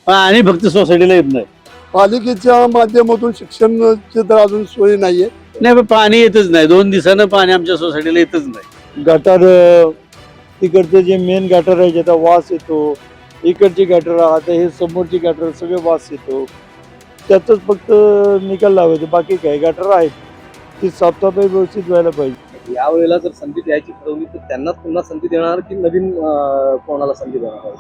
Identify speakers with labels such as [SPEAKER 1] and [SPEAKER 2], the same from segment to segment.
[SPEAKER 1] आणि फक्त सोसायटीला येत नाही.
[SPEAKER 2] पालिकेच्या माध्यमातून शिक्षणाची तर अजून सोय नाहीये.
[SPEAKER 1] नाही पण पाणी येतच नाही, 2 दिवसानं पाणी आमच्या सोसायटीला येतच नाही.
[SPEAKER 3] गटार तिकडचे जे मेन गटार आहे ज्याचा वास येतो, इकडची गटार आता हे समोरची गटार सगळे वास येतो. त्यातच फक्त निकाल लावायचे, बाकी काय गटार आहेत ती साफसफाई व्यवस्थित व्हायला पाहिजे.
[SPEAKER 4] यावेळेला जर संधी द्यायची ठरवली तर त्यांना पुन्हा संधी देणार की नवीन कोणाला संधी देणार?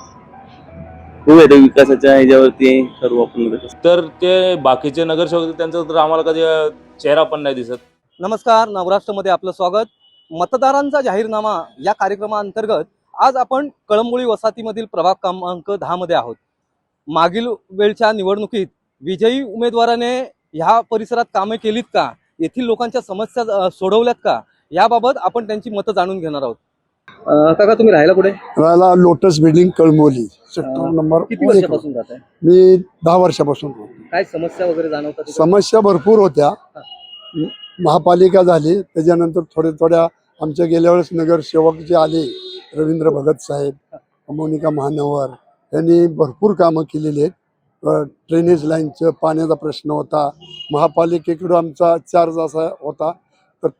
[SPEAKER 1] हो येतो विकासाच्या ह्याच्यावरती ठरवू आपण.
[SPEAKER 5] तर ते बाकीचे नगरसेवक त्यांचा तर आम्हाला कधी चेहरा पण नाही दिसत.
[SPEAKER 4] नमस्कार, नवराष्ट्रमध्ये आपलं स्वागत. मतदारांचा जाहीरनामा या कार्यक्रमाअंतर्गत आज आपण कळंबोळी वसाहतीमधील प्रभाग क्रमांक 10 मध्ये आहोत. मागील वेळच्या निवडणुकीत विजयी उमेदवाराने ह्या परिसरात कामे केलीत का, येथील लोकांच्या समस्या सोडवल्यात का, याबाबत आपण त्यांची मतं जाणून घेणार आहोत. काका, तुम्ही राहायला कुठे?
[SPEAKER 2] राहिला lotus building Kalamboli sector number
[SPEAKER 4] किती वर्षापासून राहत आहे?
[SPEAKER 2] मी 10 वर्षापासून राहतो.
[SPEAKER 4] काय समस्या वगैरे जाणवतात तिकडे?
[SPEAKER 2] समस्या भरपूर होत्या. महापालिका झाली त्याच्यानंतर थोड्या आमच्या गेल्या वेळेस नगरसेवक जे आले रवींद्र भगत साहेब, मोनिका महानवर यांनी भरपूर कामं केलेली आहेत. ड्रेनेज लाईनचं पाण्याचा प्रश्न होता. महापालिकेकडं आमचा चार्ज असा होता तर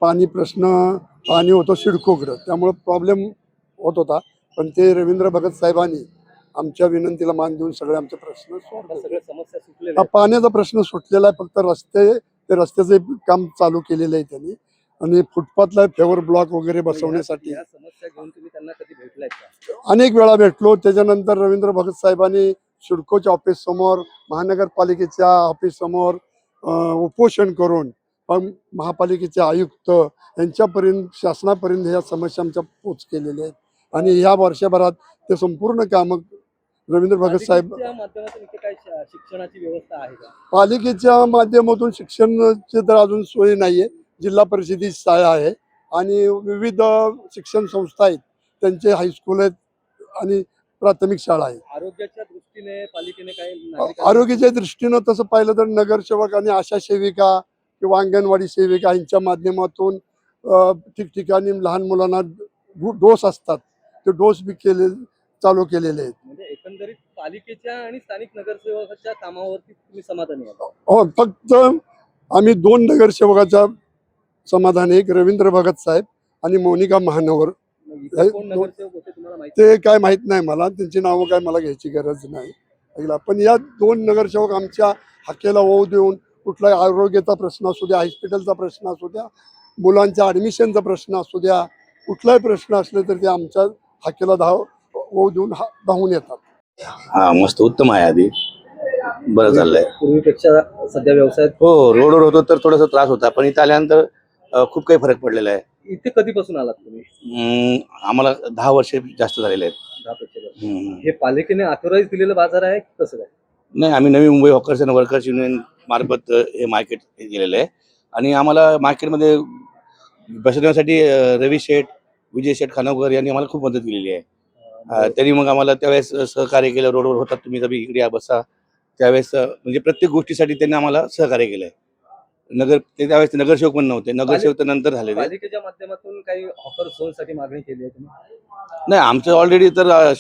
[SPEAKER 2] पाणी होतं सिडकोकडं, त्यामुळं प्रॉब्लेम होत होता. पण ते रवींद्र भगत साहेबांनी आमच्या विनंतीला मान देऊन सगळे आमचे प्रश्न सोडवले.
[SPEAKER 4] सगळ्या समस्या सुटलेल्या
[SPEAKER 2] हा
[SPEAKER 4] आहेत.
[SPEAKER 2] पाण्याचा प्रश्न सुटलेला आहे. फक्त रस्त्याचे काम चालू केलेलं आहे त्यांनी, आणि फुटपाथला फेवर ब्लॉक वगैरे बसवण्यासाठी
[SPEAKER 4] या समस्या घेऊन तुम्ही त्यांना कधी भेटलाय का?
[SPEAKER 2] अनेक वेळा भेटलो. त्याच्यानंतर रवींद्र भगत साहेबांनी सिडकोच्या ऑफिस समोर, महानगरपालिकेच्या ऑफिस समोर उपोषण करून महापालिकेचे आयुक्त यांच्यापर्यंत, शासनापर्यंत ह्या समस्या आमच्या पोच केलेल्या आहेत. आणि ह्या वर्षभरात ते संपूर्ण कामं रवींद्र भगत साहेब.
[SPEAKER 4] पालिकेच्या माध्यमातून इथे काय शिक्षणाची व्यवस्था आहे का?
[SPEAKER 2] पालिकेच्या माध्यमातून शिक्षणाची तर अजून सोय नाहीये. जिल्हा परिषदेची शाळा आहे आणि विविध शिक्षण संस्था आहेत, त्यांचे हायस्कूल आहेत आणि प्राथमिक शाळा आहे.
[SPEAKER 4] आरोग्याच्या दृष्टीने पालिकेने काय
[SPEAKER 2] आरोग्याच्या दृष्टीनं तसं पाहिलं तर नगरसेवक आणि आशा सेविका किंवा अंगणवाडी सेविका यांच्या माध्यमातून ठिकठिकाणी लहान मुलांना डोस असतात, ते डोस बी चालू केलेले आहेत.
[SPEAKER 4] म्हणजे एकंदरीत पालिकेच्या आणि स्थानिक नगरसेवकाच्या कामावरती तुम्ही समाधानी आहात?
[SPEAKER 2] हो, फक्त आम्ही 2 नगरसेवकाच्या समाधान, एक रवींद्र भगत साहेब आणि मोनिका महानवर.
[SPEAKER 4] इथे कोण नगरसेवक होते तुम्हाला माहिती?
[SPEAKER 2] ते काय माहित नाही मला, त्यांची नावं काय मला घ्यायची गरज नाही. पण या 2 नगरसेवक आमच्या हाकेला होऊ देऊन कुठलाही आरोग्याचा प्रश्न असू द्या, हॉस्पिटलचा प्रश्न असू द्या, मुलांच्या ॲडमिशनचा प्रश्न असू द्या, कुठलाही प्रश्न असले तर ते आमच्या हाकेला होऊ देऊन धावून येतात.
[SPEAKER 1] हा मस्त उत्तम आहे. आधी बरं चाललंय.
[SPEAKER 4] पूर्वीपेक्षा सध्या व्यवसायात?
[SPEAKER 1] हो, रोडवर होतो तर थोडासा त्रास होता, पण इथं आल्यानंतर खूप काही फरक पडलेला आहे.
[SPEAKER 4] इथे कधीपासून आलात तुम्ही?
[SPEAKER 1] आम्हाला 10 वर्ष जास्त झालेले आहेत.
[SPEAKER 4] 10 वर्ष. हे पालिकेने ऑथोराईज दिलेलं बाजार आहे कसं काय?
[SPEAKER 1] नाही, आम्ही Navi Mumbai hawkers and workers union मार्फत हे मार्केट केलेलं आहे. आणि आम्हाला मार्केटमध्ये बसवण्यासाठी रवी शेठ, विजय शेठ खानवकर यांनी आम्हाला खूप मदत केलेली आहे. त्यांनी मग आम्हाला त्यावेळेस सहकार्य केलं. रोडवर होतात तुम्ही कधी इकडे या बसा, त्यावेळेस म्हणजे प्रत्येक गोष्टीसाठी त्यांनी आम्हाला सहकार्य केलंय. त्यावेळेस नगरसेवक पण नव्हते, नगरसेवक तर नंतर झाले.
[SPEAKER 4] पालिकेच्या माध्यमातून काही हॉकर झोनसाठी मागणी केली आहे तुम्ही?
[SPEAKER 1] नाही, आमचं ऑलरेडी तर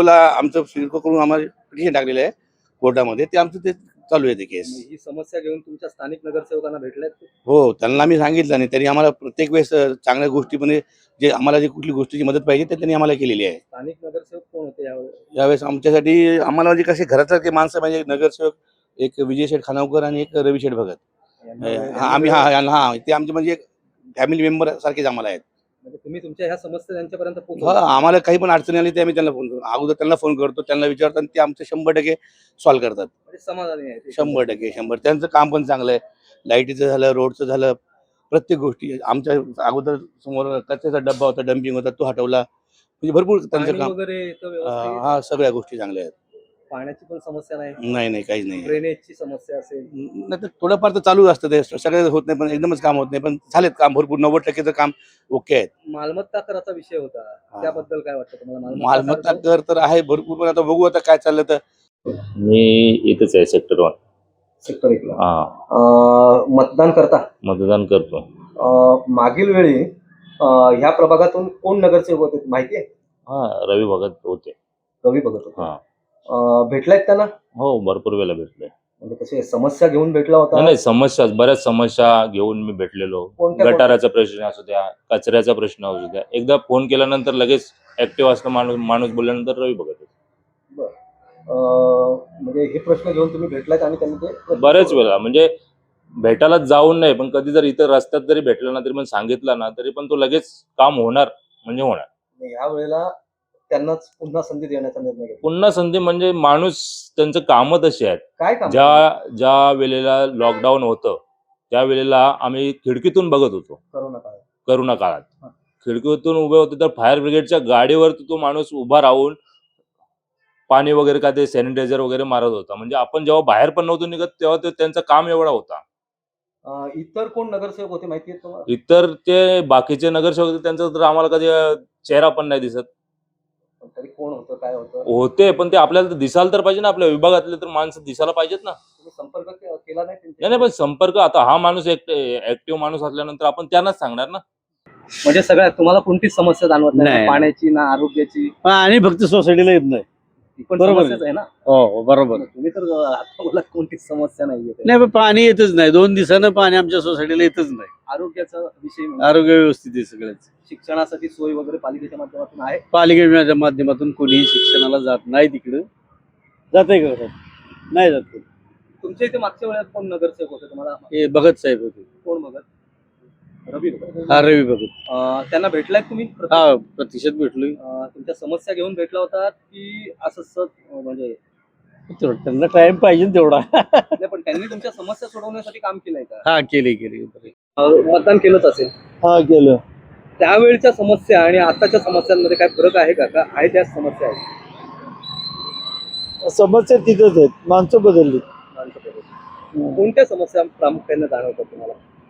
[SPEAKER 1] सिडकोकडून आम्हाला पिटिशन टाकलेलं आहे कोर्टामध्ये, ते आमचं ते चालू आहे ते केस.
[SPEAKER 4] ही समस्या घेऊन तुमच्या स्थानिक नगरसेवकांना भेटल्यात?
[SPEAKER 1] हो, त्यांना आम्ही सांगितलं आणि त्यांनी आम्हाला प्रत्येक वेळेस चांगल्या गोष्टी, म्हणजे जे आम्हाला जे कुठली गोष्टीची मदत पाहिजे ते त्यांनी आम्हाला केलेली आहे.
[SPEAKER 4] स्थानिक नगरसेवक कोण होते
[SPEAKER 1] यावेळेस आमच्यासाठी आम्हाला म्हणजे कसे घरासारखे माणसं, म्हणजे नगरसेवक एक विजय शेठ खानावकर आणि एक रवी शेठ भगत. आम्ही ते आमचे म्हणजे फॅमिली मेंबर सारखेच आम्हाला आहेत.
[SPEAKER 4] म्हणजे तुम्ही तुमच्या ह्या समस्या त्यांच्यापर्यंत
[SPEAKER 1] आम्हाला काही पण अडचणी आली ते आम्ही त्यांना फोन करतो, अगोदर त्यांना फोन करतो, त्यांना विचारतो आणि ते आमचं 100% सॉल्व्ह करतात.
[SPEAKER 4] समाधानी आहे?
[SPEAKER 1] 100%. त्यांचं काम पण चांगलं आहे. लाईटीचं झालं, रोडचं झालं, प्रत्येक गोष्टी. आमच्या अगोदर समोर कचऱ्याचा डब्बा होता, डम्पिंग होता, तो हटवला. म्हणजे भरपूर त्यांचं काम. हा, सगळ्या गोष्टी चांगल्या आहेत.
[SPEAKER 4] पाण्याची पण समस्या नाही?
[SPEAKER 1] नाही, काहीच नाही.
[SPEAKER 4] ड्रेनेजची समस्या असेल?
[SPEAKER 1] नाही, तर थोडंफार तर चालू असतं, ते सगळं होत नाही, पण एकदमच काम होत नाही, पण झालेत काम भरपूर. 90% काम ओके आहेत.
[SPEAKER 4] मालमत्ता कराचा विषय होता, त्याबद्दल काय वाटतं तुम्हाला?
[SPEAKER 1] मालमत्ता कर तर आहे भरपूर, पण आता बघू आता काय चाललं. तर
[SPEAKER 6] मी इथेच आहे सेक्टर 1.
[SPEAKER 4] सेक्टर 1 ला
[SPEAKER 6] हा,
[SPEAKER 4] मतदान करता?
[SPEAKER 6] मतदान करतो.
[SPEAKER 4] मागील वेळी ह्या प्रभागातून कोण नगरसेवक होते माहिती आहे?
[SPEAKER 6] हा, रवी भगत होते.
[SPEAKER 4] रवी भगत होते.
[SPEAKER 6] हा,
[SPEAKER 4] भेटलायत त्यांना?
[SPEAKER 5] हो, भरपूर वेळेला भेटलोय.
[SPEAKER 4] म्हणजे कसे समस्या घेऊन भेटला होता?
[SPEAKER 5] नाही समस्या, बऱ्याच समस्या घेऊन मी भेटलेलो.
[SPEAKER 4] कोणत्या
[SPEAKER 5] गटाराचा प्रश्न असू द्या, कचऱ्याचा प्रश्न असू द्या. एकदा फोन केल्यानंतर लगेच ऍक्टिव्ह असतं माणूस. माणूस बोलल्यानंतर रवी भगत.
[SPEAKER 4] म्हणजे हे प्रश्न घेऊन तुम्ही भेटलात आणि त्यांनी ते
[SPEAKER 5] बऱ्याच वेळा म्हणजे भेटायला जाऊन नाही, पण कधी जर इथं रस्त्यात जरी भेटला ना, तरी पण सांगितलं ना, तरी पण तो लगेच काम होणार म्हणजे होणार.
[SPEAKER 4] ह्या वेळेला त्यांनाच पुन्हा संधी देण्याचा निर्णय घेतला.
[SPEAKER 5] पुन्हा संधी म्हणजे माणूस, त्यांचं कामं तशी आहेत.
[SPEAKER 4] काय काम?
[SPEAKER 5] ज्या वेळेला लॉकडाऊन होतं, त्या वेळेला आम्ही खिडकीतून बघत होतो. करोना काळात खिडकीतून उभे होते, तर फायर ब्रिगेडच्या गाडीवर तो माणूस उभा राहून पाणी वगैरे का ते सॅनिटायझर वगैरे मारत होता. म्हणजे आपण जेव्हा बाहेर पण नव्हतो निघत, तेव्हा त्यांचं काम एवढा होता.
[SPEAKER 4] इतर कोण नगरसेवक होते माहिती आहे तुम्हाला?
[SPEAKER 5] इतर ते बाकीचे नगरसेवक होते, त्यांचा तर आम्हाला कधी चेहरा पण नाही दिसत.
[SPEAKER 4] तरी कोण होतं, काय होतं?
[SPEAKER 5] होते, पण ते आपल्याला तर दिसायला तर पाहिजे ना, आपल्या विभागातले तर माणसं दिसायला पाहिजेत ना.
[SPEAKER 4] तुम्ही संपर्क केला नाही त्यांच्याशी?
[SPEAKER 5] नाही, पण संपर्क आता हा माणूस ऍक्टिव्ह माणूस असल्यानंतर आपण त्यांनाच सांगणार ना.
[SPEAKER 4] म्हणजे सगळ्यात तुम्हाला कोणतीच समस्या जाणवत नाही?
[SPEAKER 7] नाही.
[SPEAKER 4] पाण्याची ना आरोग्याची?
[SPEAKER 7] आणि फक्त सोसायटीला येत नाही.
[SPEAKER 4] ती पण
[SPEAKER 7] बरोबर
[SPEAKER 4] समस्याच आहे ना.
[SPEAKER 7] हो बरोबर.
[SPEAKER 4] तुम्ही तर आता बोला कोणतीच समस्या नाहीये.
[SPEAKER 7] नाही पण पाणी येतच नाही. 2 दिवसानं पाणी आमच्या सोसायटीला येतच नाही.
[SPEAKER 4] आरोग्याचा विषय म्हणजे
[SPEAKER 7] आरोग्य व्यवस्थित आहे सगळ्याच.
[SPEAKER 4] शिक्षणासाठी सोय वगैरे पालिकेच्या माध्यमातून आहे?
[SPEAKER 7] पालिकेच्या माध्यमातून कोणीही शिक्षणाला जात नाही तिकडं. जाते का? नाही जात.
[SPEAKER 4] तुमच्या इथे मागच्या वेळेस कोण नगरसेवक होते तुम्हाला?
[SPEAKER 7] हे भगत साहेब होते.
[SPEAKER 4] कोण बघत? रवी भगत.
[SPEAKER 7] हा रवी भगत.
[SPEAKER 4] त्यांना भेटलाय तुम्ही?
[SPEAKER 7] हा प्रतिशत भेटलोय.
[SPEAKER 4] तुमच्या समस्या घेऊन भेटला होता की असं म्हणजे?
[SPEAKER 7] त्यांना टाइम पाहिजे ना तेवढा.
[SPEAKER 4] नाही, पण त्यांनी तुमच्या समस्या सोडवण्यासाठी काम केलंय का?
[SPEAKER 7] हा केले.
[SPEAKER 4] मतदान केलंच असेल.
[SPEAKER 7] हा केलं.
[SPEAKER 4] त्यावेळच्या समस्या आणि आताच्या समस्यांमध्ये काय फरक आहे का? आहे त्याच समस्या आहेत?
[SPEAKER 3] समस्या तिथंच आहेत, माणसं बदलली.
[SPEAKER 4] कोणत्या समस्या प्रामुख्याने जाणवतात तुम्हाला?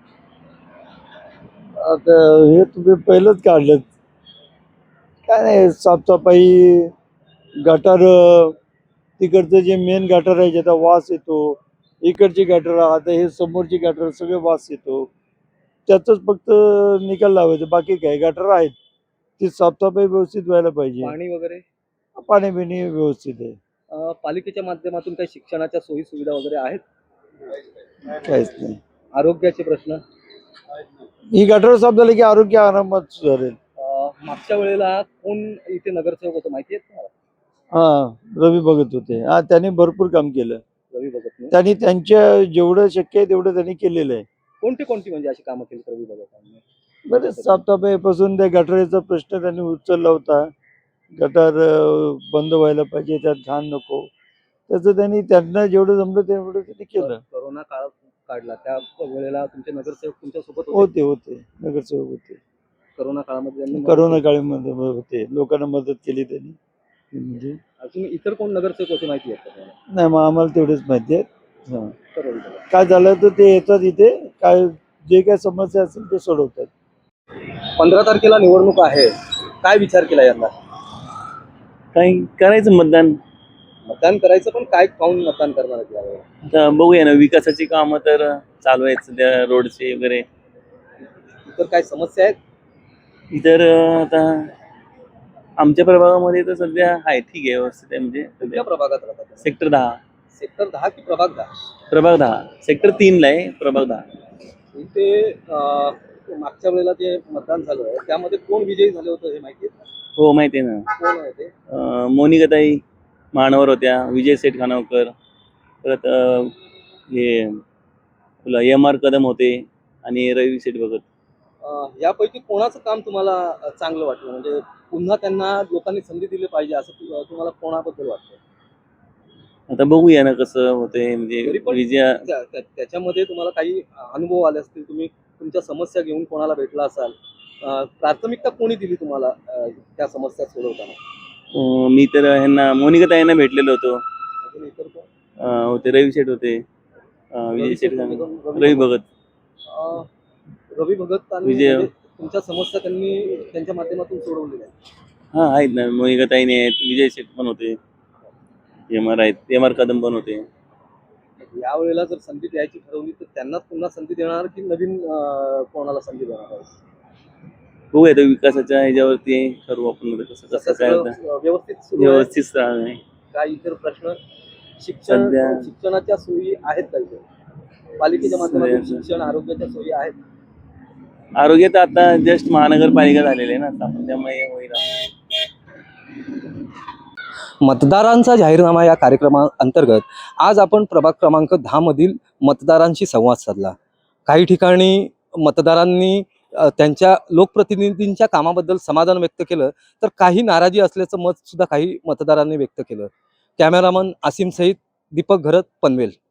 [SPEAKER 3] आता हे तुम्ही पहिलंच काढलं. काय नाही, साफसफाई, गटार, तिकडचं जे मेन गटार आहे ज्याचा वास येतो, इकडची गटार, आता हे समोरची गटार, सगळे वास येतो. त्यातच फक्त निकाल लावायचं, बाकी काय गटार आहेत ती साफसफाई व्यवस्थित व्हायला पाहिजे.
[SPEAKER 4] पाणी वगैरे?
[SPEAKER 3] पाणी बिणी व्यवस्थित आहे.
[SPEAKER 4] पालिकेच्या माध्यमातून काही शिक्षणाच्या सोयी सुविधा वगैरे आहेत?
[SPEAKER 3] काहीच नाही.
[SPEAKER 4] आरोग्याचे प्रश्न?
[SPEAKER 3] ही गटार साफ झाली की आरोग्य आरामात सुधारेल.
[SPEAKER 4] मागच्या वेळेला कोण इथे नगरसेवक होतं माहिती आहे तुम्हाला?
[SPEAKER 3] हा रवी भगत होते. हा त्यांनी भरपूर काम केलं.
[SPEAKER 4] रवी भगत.
[SPEAKER 3] त्यांनी त्यांच्या जेवढं शक्य आहे तेवढं त्यांनी केलेलं आहे.
[SPEAKER 4] कोणती म्हणजे अशी कामं केली रवी भगतांनी?
[SPEAKER 3] बरेच साफसफाईपासून त्या गटारीचा प्रश्न त्यांनी उचलला होता. गटार बंद व्हायला पाहिजे, त्यात घाण नको, त्याचं त्यांना जेवढं जमलं तेवढं त्यांनी केलं.
[SPEAKER 4] कोरोना काळ काढला त्या वेळेला तुमचे नगरसेवक तुमच्या सोबत
[SPEAKER 3] होते नगरसेवक होते.
[SPEAKER 4] कोरोना काळामध्ये त्यांनी
[SPEAKER 3] करोना काळामध्ये होते, लोकांना मदत केली त्यांनी. म्हणजे
[SPEAKER 4] अजून इतर कोण नगरसेवक होते माहिती आहे का तुम्हाला?
[SPEAKER 3] नाही, मग आम्हाला तेवढेच माहिती आहेत. हा,
[SPEAKER 4] तर रवी भगत.
[SPEAKER 3] काय झालं तर ते येतात इथे, काय जे काय समस्या असेल ते सोडवतात.
[SPEAKER 4] 15 तारखेला निवडणूक आहे, काय विचार केला यंदा?
[SPEAKER 8] काही करायचं
[SPEAKER 4] मतदान करायचं, पण काय पाहून मतदान करणार आहे यावेळेला?
[SPEAKER 8] आता बघूया ना, विकासाची कामं तर चालू आहेत सध्या, रोडचे वगैरे.
[SPEAKER 4] इतर काय समस्या आहेत?
[SPEAKER 8] इतर आता आमच्या प्रभागामध्ये तर सध्या आहे, ठीक आहे, व्यवस्थित आहे. म्हणजे
[SPEAKER 4] कुठल्या प्रभागात राहतात?
[SPEAKER 8] सेक्टर 10.
[SPEAKER 4] सेक्टर 10 की प्रभाग 10?
[SPEAKER 8] प्रभाग 10. सेक्टर 3 ला आहे, प्रभाग 10.
[SPEAKER 4] इथे मागच्या वेळेला जे मतदान झालं त्यामध्ये कोण विजयी झाले होते हे माहिती आहे?
[SPEAKER 8] हो माहिती आहे ना.
[SPEAKER 4] कोण आहे ते?
[SPEAKER 8] मोनिकाताई मानवर होत्या, विजय सेठ खानावकर, परत हे MR कदम होते आणि रवी सेठ भगत.
[SPEAKER 4] यापैकी कोणाचं काम तुम्हाला चांगलं वाटलं, म्हणजे पुन्हा त्यांना लोकांनी संधी दिली पाहिजे असं तुम्हाला कोणाबद्दल वाटतं?
[SPEAKER 8] आता बघूया ना कसं होते, म्हणजे
[SPEAKER 4] तरी पण
[SPEAKER 8] विजय
[SPEAKER 4] त्याच्यामध्ये तुम्हाला काही अनुभव आले असतील, तुम्ही तुमच्या समस्या घेऊन कोणाला भेटला असाल, प्राथमिकता कोणी दिली तुम्हाला त्या समस्या सोडवताना?
[SPEAKER 8] मी तर ह्यांना मोनिकाताईंना भेटलेलो होतो.
[SPEAKER 4] अजून इतर कोण?
[SPEAKER 8] होते रवी सेठ होते, विजय सेठ रवी भगत.
[SPEAKER 4] रवी भगत आणि
[SPEAKER 8] विजय.
[SPEAKER 4] म्हणजे तुमच्या समस्या त्यांनी त्यांच्या माध्यमातून सोडवलेल्या आहेत?
[SPEAKER 8] हा आहेत ना, मोनिकाताईने आहेत, विजय सेठ पण होते, MR आहेत, MR कदम पण होते.
[SPEAKER 4] यावेळेला जर संधी द्यायची ठरवली तर त्यांनाच पुन्हा संधी देणार की नवीन कोणाला संधी देणार आहे?
[SPEAKER 8] बघूया तर विकासाच्या ह्याच्यावरती ठरवू आपण, कसं काय
[SPEAKER 4] व्यवस्थित सुरू आहे?
[SPEAKER 8] व्यवस्थित आहे.
[SPEAKER 4] काय इतर प्रश्न शिक्षणाच्या सोयी आहेत का इथे पालिकेच्या माध्यमातून
[SPEAKER 8] सध्या-
[SPEAKER 4] शिक्षण आरोग्याच्या सोयी आहेत?
[SPEAKER 8] आरोग्य तर आता जस्ट महानगरपालिका झालेली आहे ना आता, त्यामुळे होईल.
[SPEAKER 4] मतदारांचा जाहीरनामा या कार्यक्रमाअंतर्गत आज आपण प्रभाग क्रमांक 10 मधील मतदारांशी संवाद साधला. काही ठिकाणी मतदारांनी त्यांच्या लोकप्रतिनिधींच्या कामाबद्दल समाधान व्यक्त केलं, तर काही नाराजी असल्याचं मत सुद्धा काही मतदारांनी व्यक्त केलं. कॅमेरामन आसिम सहित दीपक घरत, पनवेल.